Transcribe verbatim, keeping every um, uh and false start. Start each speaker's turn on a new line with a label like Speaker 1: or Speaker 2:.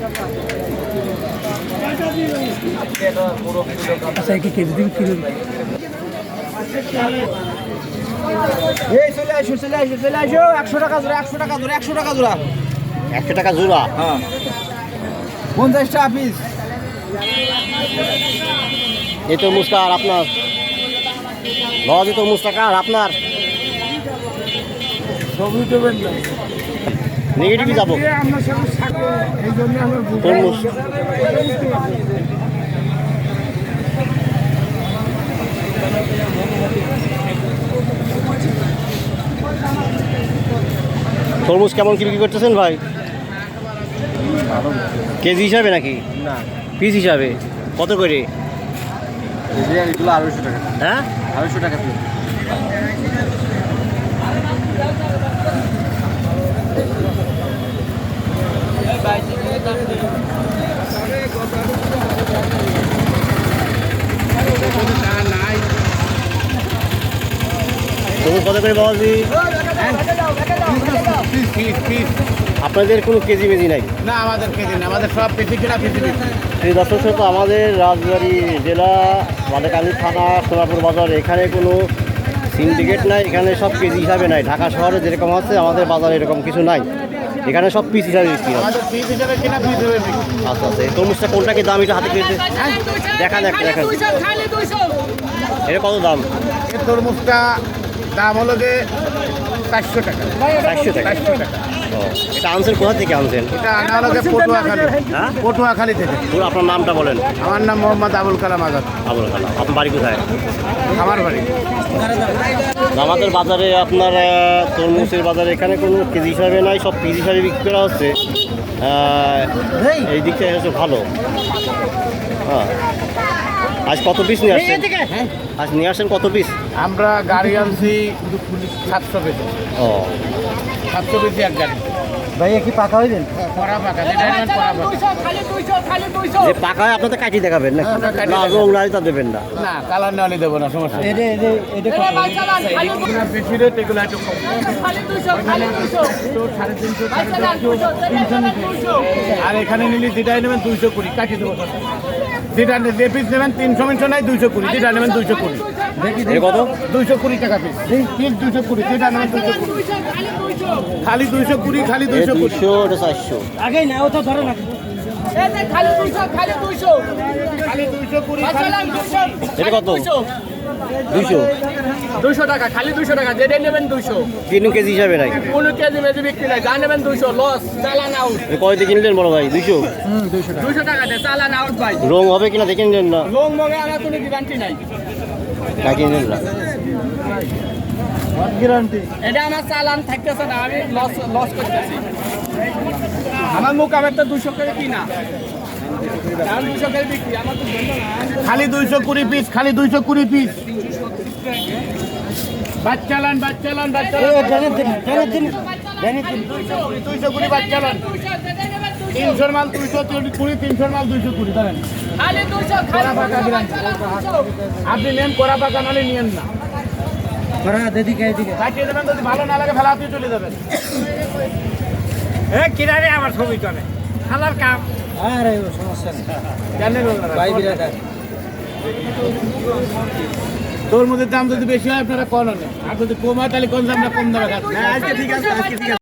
Speaker 1: আচ্ছা কি কেজি দিন কিলো
Speaker 2: এই চলে আসো চলে আসো চলে আসো একশো টাকা জোড়া একশো টাকা জোড়া একশো টাকা জোড়া
Speaker 3: একশো টাকা জোড়া।
Speaker 2: হ্যাঁ পঞ্চাশ টাকা পিস।
Speaker 3: এই তরমুজ কার আপনার? বাবা যে তরমুজ কার আপনার?
Speaker 1: সবই দেবেন না
Speaker 3: নেগেটিভই যাবো
Speaker 1: আমরা সব এই জন্য আমার
Speaker 3: তরমুজ। তরমুজ কেমন কি বিক্রি করতেছেন ভাই? কেজি হিসাবে নাকি
Speaker 2: না
Speaker 3: পিস হিসাবে? কত করে?
Speaker 2: এগুলো আড়াইশো টাকা।
Speaker 3: হ্যাঁ
Speaker 2: আড়াইশো টাকা পিস।
Speaker 3: তরমুজ কত করে বাবাজি? আপনাদের কোনো কেজি মেজি নাই?
Speaker 2: না আমাদের কেজি না, আমাদের সব পেটি কিনা পেটি
Speaker 3: এই দর্শক শ্রোতা, আমাদের রাজবাড়ী জেলা বাদাকালী থানা সোনাপুর বাজার, এখানে কোনো সিন্ডিকেট নাই, এখানে সব কেজি হিসাবে নাই। ঢাকা শহরে যেরকম আছে আমাদের বাজারে এরকম কিছু নাই, এখানে সব পিস হিসাবে বিক্রি হয়।
Speaker 2: আমাদের পিস হিসাবে কিনা পিস হিসাবে বিক্রি।
Speaker 3: আচ্ছা আচ্ছা, এই তরমুজটা কোনটা কি দাম? এটা হাতে পেয়েছে দেখা দেখ দেখা এটা কত দাম?
Speaker 2: এই তরমুজটা দাম হলো যে চারশো টাকা।
Speaker 3: চারশো টাকা।
Speaker 2: চারশো টাকা।
Speaker 3: ও, এটা আনছেন কোথা থেকে আনছেন?
Speaker 2: এটা আনা হলো যে পটুয়াখালী।
Speaker 3: হ্যাঁ
Speaker 2: পটুয়াখালী থেকে।
Speaker 3: পুরো আপনার নামটা বলেন।
Speaker 2: আমার নাম মোহাম্মদ আবুল কালাম আজাদ।
Speaker 3: আবুল কালাম। আপনার বাড়ি কোথায়?
Speaker 2: আমার বাড়ি
Speaker 3: আমাদের বাজারে আপনার আহ, তরমুজের বাজারে এখানে কোনো কেজি হিসাবে নাই, সব পিস হিসাবে বিক্রি করা হচ্ছে। আহ, এই দিকটা হচ্ছে ভালো। হ্যাঁ, আজ কত পিস নিয়ে আসছেন? আজ নিয়ে আসছেন কত পিস?
Speaker 2: আমরা গাড়ি আনছি সাতশো পিস।
Speaker 3: ও
Speaker 2: সাতশো পিস এক গাড়ি।
Speaker 1: ভাইয়া কি পাকা হইলেন?
Speaker 2: পড়া পাকা যেটা নেবেন পড়া পাকা।
Speaker 3: যে পাকা হয় আপনাদের কাটি দেখাবেন না?
Speaker 2: হ্যাঁ, কাটি
Speaker 3: না,
Speaker 2: দেখাবো।
Speaker 3: রং নাই তা দেবেন না।
Speaker 2: না কালার নেওয়ালি দেবো না, সমস্যা নেই।
Speaker 1: এটা এটা এটা
Speaker 2: এগুলো বেশি রেট, এগুলো একটু কম। সাড়ে তিনশো তিনশো আর এখানে নিলে যেটাই নেবেন দুইশো কুড়ি কাটিয়ে দেবো। যেটা যে পিস নেবেন তিনশো মিনশো নাই দুইশো কুড়ি, যেটা নেবেন দুইশো কুড়ি।
Speaker 3: এটা কত?
Speaker 2: দুইশো কুড়ি টাকা পিস। পিস দুইশো কুড়ি, যেটা নেবেন দুইশো কুড়ি। খালি দুইশো কুড়ি, খালি দুইশো কুড়ি।
Speaker 3: দুশো, এটা চারশো।
Speaker 1: আগেই না ও তো ধরে না
Speaker 2: খালি দুইশো কুড়ি, খালি দুইশো।
Speaker 3: এটা কত? দুইশো।
Speaker 2: দুইশো টাকা, খালি দুইশো টাকা, যেটাই নেবেন দুইশো।
Speaker 3: তিন কেজি হিসাবে নাই?
Speaker 2: কোনো কেজি মেজি বিক্রি নাই, যা নেবেন দুইশো, লস চালান আউট।
Speaker 3: কয়তে কিনলেন বড় ভাই? দুইশো?
Speaker 2: দুইশো টাকা দিয়ে চালান আউট ভাই।
Speaker 3: রং হবে কিনা দেখে নিলেন না?
Speaker 2: লোন মগে আমার কোনো গ্যারান্টি নাই।
Speaker 3: না কিনলেন না?
Speaker 1: গ্যারান্টি
Speaker 2: এটা আমার চালান থাকতেছে না, আমি লস লস করতেছি। আমার মুখ আমার তো দুশো করে কিনা, দুশো করে বিক্রি। আমার তো খালি দুইশো কুড়ি পিস, খালি দুইশো কুড়ি পিস। বাচ্চালান বাচ্চালান বাচ্চালান দুইশো কুড়ি বাচ্চালান। তিনশোর মাল দুইশো কুড়ি, তিনশোর মাল দুইশো কুড়ি। ধরেন আপনি নেন কড়া পাকা, নালে নিয়েন না। কাটিয়ে দেবেন, যদি ভালো না লাগে ফেলা আপনি চলে যাবেন। হ্যাঁ কিনারে আমার ছবি চলে খালার কাম।
Speaker 1: আরে সমস্যা নেই
Speaker 2: জানেন
Speaker 1: ভাই বিরাট
Speaker 2: তোর মধ্যে দাম যদি বেশি হয় আপনারা কম নেন, আর যদি কম হয় তাহলে কম দাম না কম দামে খাচ্ছেন। ঠিক আছে।